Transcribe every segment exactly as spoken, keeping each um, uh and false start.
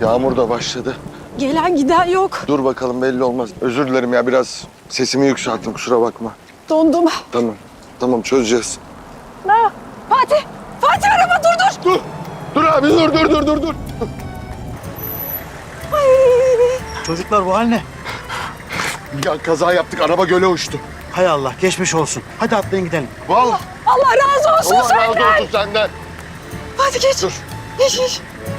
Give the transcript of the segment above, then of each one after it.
Yağmur da başladı. Gelen giden yok. Dur bakalım, belli olmaz. Özür dilerim ya, biraz sesimi yükselttim, kusura bakma. Dondum. Tamam, tamam çözeceğiz. Ha, Fatih! Fatih araba dur dur! Dur! Dur abi, dur dur dur dur dur. Ay. Çocuklar bu hal ne? Ya kaza yaptık, araba göle uçtu. Hay Allah, geçmiş olsun. Hadi atlayın gidelim. Vallahi Allah razı olsun Allah razı senden. olsun senden. Fatih geç. Dur. Geç geç.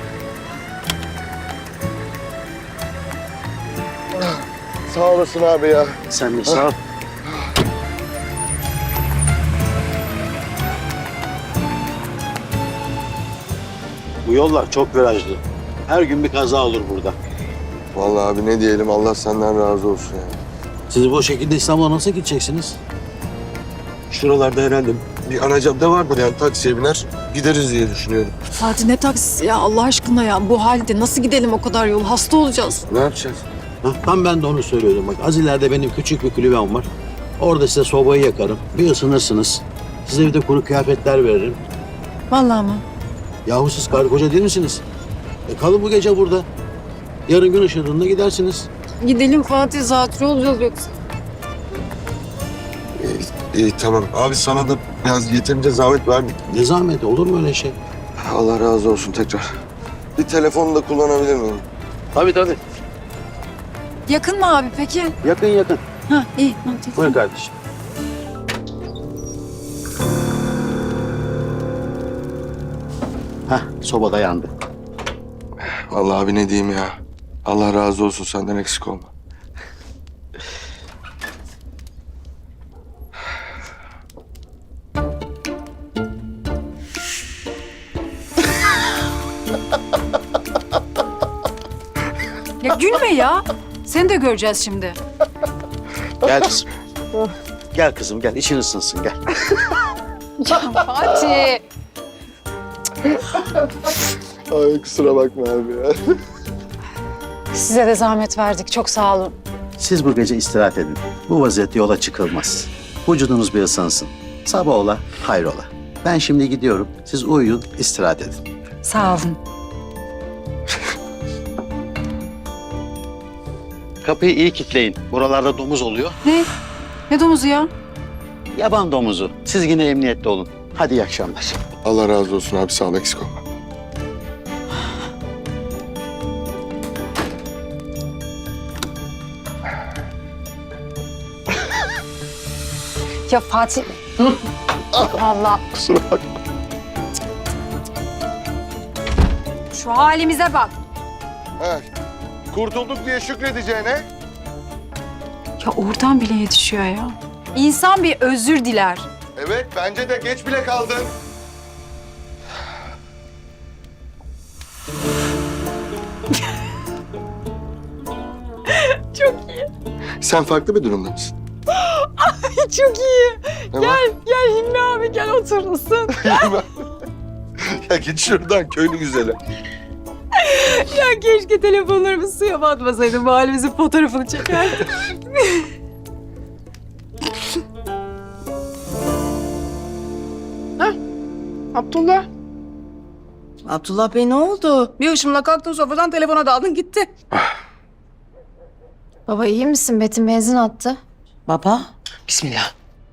Sağ olasın abi ya. Sen de sağ ol. Bu yollar çok virajlı. Her gün bir kaza olur burada. Vallahi abi ne diyelim, Allah senden razı olsun ya. Siz bu şekilde İstanbul'a nasıl gideceksiniz? Şuralarda herhalde bir ana cadde vardır, yani taksiye biner gideriz diye düşünüyorum. Fatih ne taksisi ya Allah aşkına ya. Bu halde nasıl gidelim o kadar yol? Hasta olacağız. Ne yapacağız? Ha, tam ben de onu söylüyordum. Bak az ileride benim küçük bir kulübem var. Orada size sobayı yakarım. Bir ısınırsınız. Size bir de kuru kıyafetler veririm. Vallahi mı? Yahu siz karı koca değil misiniz? E kalın bu gece burada. Yarın gün ışığında gidersiniz. Gidelim Fatih, zatürre olacağız yoksa. İyi, iyi tamam. Abi sana da biraz yeterince zahmet verdik. Ne zahmeti, olur mu öyle şey? Allah razı olsun tekrar. Bir telefonu da kullanabilir miyim? Tabii tabii. Yakın mı abi peki? Yakın yakın. Ha iyi. Hadi. Buyur kardeşim. Hah, sobada yandı. Vallahi abi ne diyeyim ya. Allah razı olsun, senden eksik olma. Ya gülme ya. Seni de göreceğiz şimdi. Gel kızım. Gel kızım gel, için ısınsın gel. Fatih. Ay kusura bakma abi ya. Size de zahmet verdik. Çok sağ olun. Siz bu gece istirahat edin. Bu vaziyette yola çıkılmaz. Vücudunuz bir ısınsın. Sabah ola, hayrola. Ben şimdi gidiyorum. Siz uyuyun, istirahat edin. Sağ olun. Kapıyı iyi kilitleyin. Buralarda domuz oluyor. Ne? Ne domuzu ya? Yaban domuzu. Siz yine emniyette olun. Hadi iyi akşamlar. Allah razı olsun abi, sağ ol, eksik olma. Ya Fatih. Allah. Kusura bakma. Şu halimize bak. He. Kurtulduk diye şükredeceğine. Ya oradan bile yetişiyor ya. İnsan bir özür diler. Evet, bence de geç bile kaldın. Çok iyi. Sen farklı bir durumda mısın? Çok iyi. Ne Gel, var? gel Hilmi abi gel otur ısın. Ya git şuradan, köylü güzeli. Ya keşke telefonlarımı suya batmasaydı. Mahallemizin fotoğrafını çekerdim. Abdullah. Abdullah Bey ne oldu? Bir ışımla kalktın sofradan telefona daldın gitti. Baba iyi misin? Betim benzin attı. Baba. Bismillah.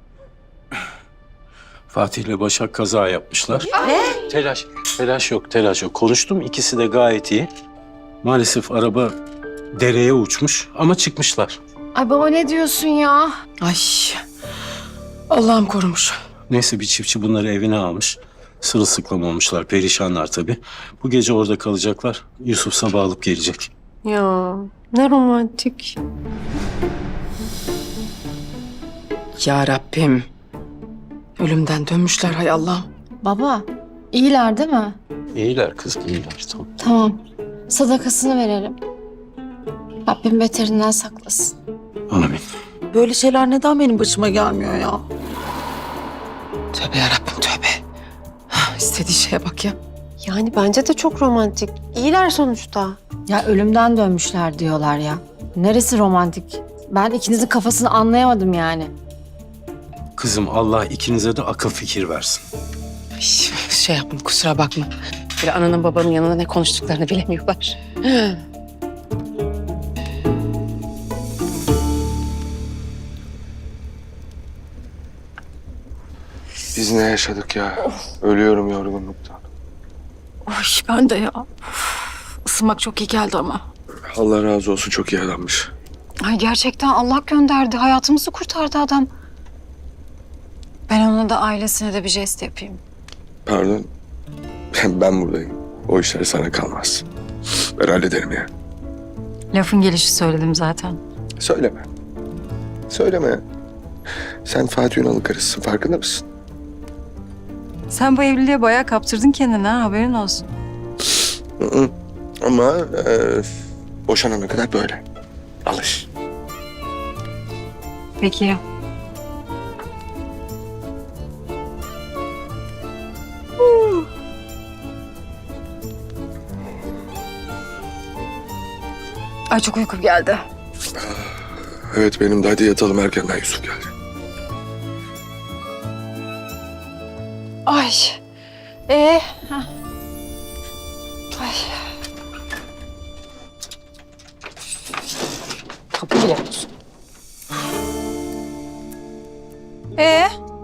Fatih'le Başak kaza yapmışlar. Ne? Telaş, telaş yok, telaş yok. Konuştum, ikisi de gayet iyi. Maalesef araba dereye uçmuş ama çıkmışlar. Ay baba ne diyorsun ya? Ay. Allah'ım korumuş. Neyse bir çiftçi bunları evine almış. Sırılsıklam olmuşlar, perişanlar tabii. Bu gece orada kalacaklar. Yusuf sabah alıp gelecek. Ya ne romantik. Ya Rabbim. Ölümden dönmüşler hay Allah'ım. Baba iyiler değil mi? İyiler kızım, iyiler. Tamam. Tamam. Sadakasını verelim. Rabbim beterinden saklasın. Amin. Böyle şeyler neden benim başıma gelmiyor ya? Tövbe ya Rabbim tövbe. Hah, İstediği şeye bak ya. Yani bence de çok romantik. İyiler sonuçta. Ya ölümden dönmüşler diyorlar ya. Neresi romantik? Ben ikinizin kafasını anlayamadım yani. Kızım Allah ikinize de akıl fikir versin. Ay, şey yapma kusura bakma. Böyle ananın babanın yanında ne konuştuklarını bilemiyorlar. Biz ne yaşadık ya? Ölüyorum yorgunluktan. Ay ben de ya. Isınmak çok iyi geldi ama. Allah razı olsun, çok iyi adammış. Ay gerçekten Allah gönderdi. Hayatımızı kurtardı adam. Ben ona da ailesine de bir jest yapayım. Pardon. Ben, ben buradayım. O işler sana kalmaz. Ben hallederim ya. Lafın gelişi söyledim zaten. Söyleme. Söyleme. Sen Fatih Ünal'ın karısısın, farkında mısın? Sen bu evliliğe bayağı kaptırdın kendini ha, haberin olsun. Hı hı. Ama e, boşanana kadar böyle. Alış. Peki ya. Ay çok uykum geldi. Evet benim de, hadi yatalım erkenden, Yusuf geldi. Ay. Ee. hah. Ay. Tabii bile olsun. Ee.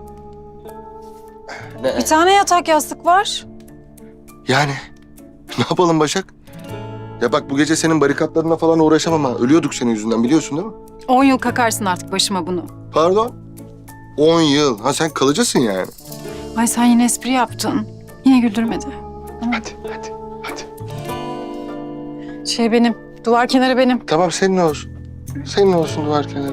Bir tane yatak yastık var. Yani ne yapalım Başak? Ya bak, bu gece senin barikatlarına falan uğraşamam ha. Ölüyorduk senin yüzünden, biliyorsun değil mi? On yıl kakarsın artık başıma bunu. Pardon? On yıl. Ha sen kalıcısın yani. Ay sen yine espri yaptın. Yine güldürmedi. Hadi, hadi, hadi. Şey benim, duvar kenarı benim. Tamam, senin olsun. Senin olsun duvar kenarı.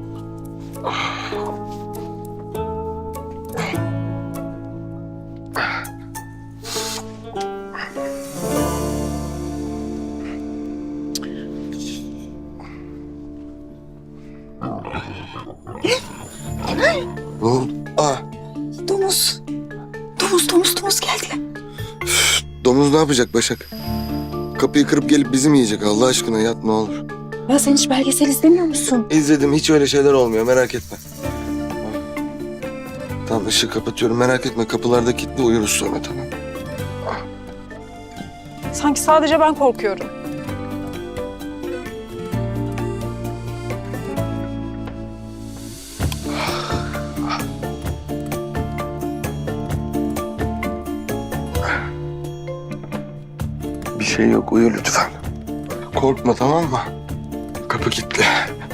Ne oldu? Aa, Domuz. Domuz, domuz, domuz geldi. domuz ne yapacak Başak? Kapıyı kırıp gelip bizi mi yiyecek? Allah aşkına yat ne olur. Ya sen hiç belgesel izlemiyor musun? İzledim, hiç öyle şeyler olmuyor, merak etme. Tamam, ışığı kapatıyorum, merak etme. Kapılarda kilitli, uyuruz sonra, tamam. Sanki sadece ben korkuyorum. Bir şey yok, uyu lütfen. Korkma, tamam mı? Kapı kilitli.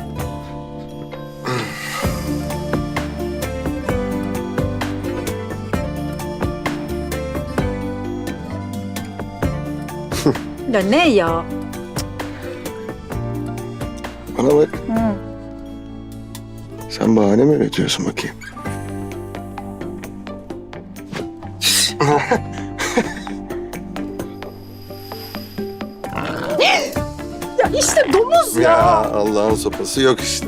Ya ne ya? Bana bak. Sen bahane mi üretiyorsun bakayım? Ya işte domuz ya. Ya Allah'ın sopası yok işte.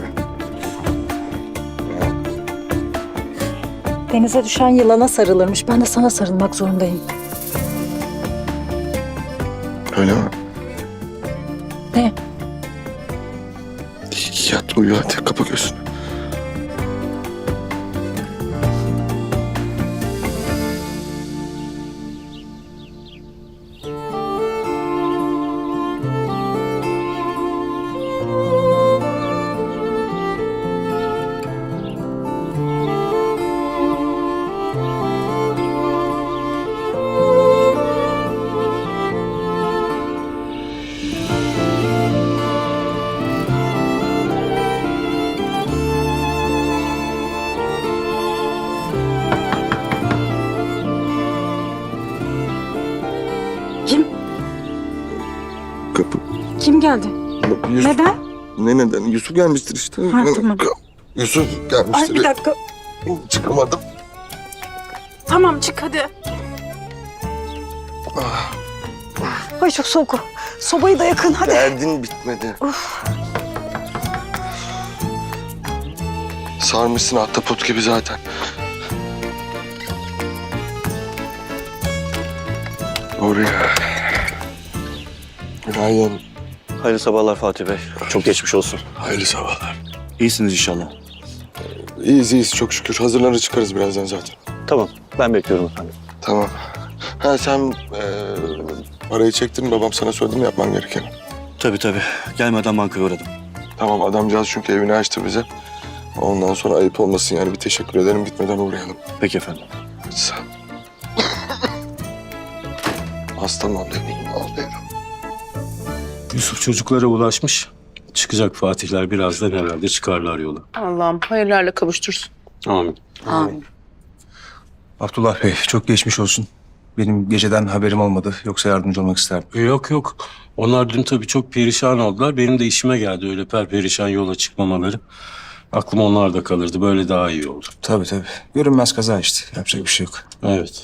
Denize düşen yılana sarılırmış. Ben de sana sarılmak zorundayım. Öyle mi? Ne? Yat uyu hadi, kapa gözünü. Kim? Kapı. Kim geldi? Yusuf. Neden? Ne neden? Yusuf gelmiştir işte. Ha, tamam. Yusuf gelmiştir. Ay bir dakika. Çıkamadım. Tamam çık hadi. Ah, Ay çok soğuk. Sobayı da yakın hadi. derdin bitmedi. Sarmışsın ahtapot gibi zaten. Oraya. Günaydın. Hayırlı sabahlar Fatih Bey. Çok geçmiş olsun. Hayırlı sabahlar. İyisiniz inşallah. İyiyiz iyiyiz çok şükür. Hazırlanır çıkarız birazdan zaten. Tamam, ben bekliyorum efendim. Tamam. Ha sen e, Parayı çektin, babam sana söyledi mi yapman gerekeni? Tabii tabii. Gelmeden bankaya uğradım. Tamam, adamcağız çünkü evini açtı bize. Ondan sonra ayıp olmasın yani, bir teşekkür ederim, gitmeden uğrayalım. Peki efendim. Sağ ol. Hastam oldu eminim, oldu evim. Yusuf çocuklara ulaşmış. Çıkacak Fatihler birazdan herhalde çıkarlar yola. Allah'ım hayırlarla kavuştursun. Amin. Amin. Abdullah Bey çok geçmiş olsun. Benim geceden haberim olmadı. Yoksa yardımcı olmak isterdim. E, Yok yok. Onlar dün tabii çok perişan oldular. Benim de işime geldi öyle perperişan yola çıkmamaları. Aklım onlarda kalırdı. Böyle daha iyi oldu. Tabii tabii. Görünmez kaza işte. Yapacak bir şey yok. Evet.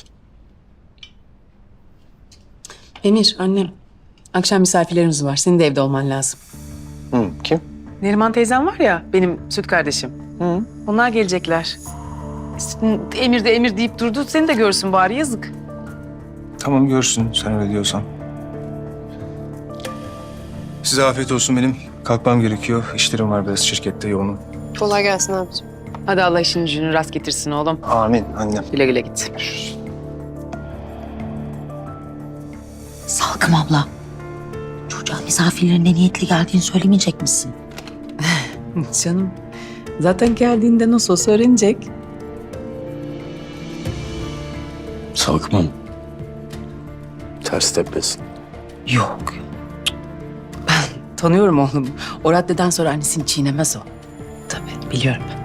Emir, annem. Akşam misafirlerimiz var. Senin de evde olman lazım. Hı, kim? Neriman teyzem var ya, benim süt kardeşim. Hı. Onlar gelecekler. Emir de Emir deyip durdu. Seni de görsün bari, yazık. Tamam görsün sen öyle diyorsan. Size afiyet olsun benim. Kalkmam gerekiyor. İşlerim var biraz şirkette yoğunum. Kolay gelsin abicim. Hadi Allah işini gücünü rast getirsin oğlum. Amin annem. Güle güle git. Salkım abla. Çocuğa misafirlerin ne niyetli geldiğini söylemeyecek misin? Canım, zaten geldiğinde nasıl olsa öğrenecek. Salkmam. Ters tepesin. Yok. Ben tanıyorum oğlum. O raddeden sonra annesini çiğnemez o. Tabii, biliyorum.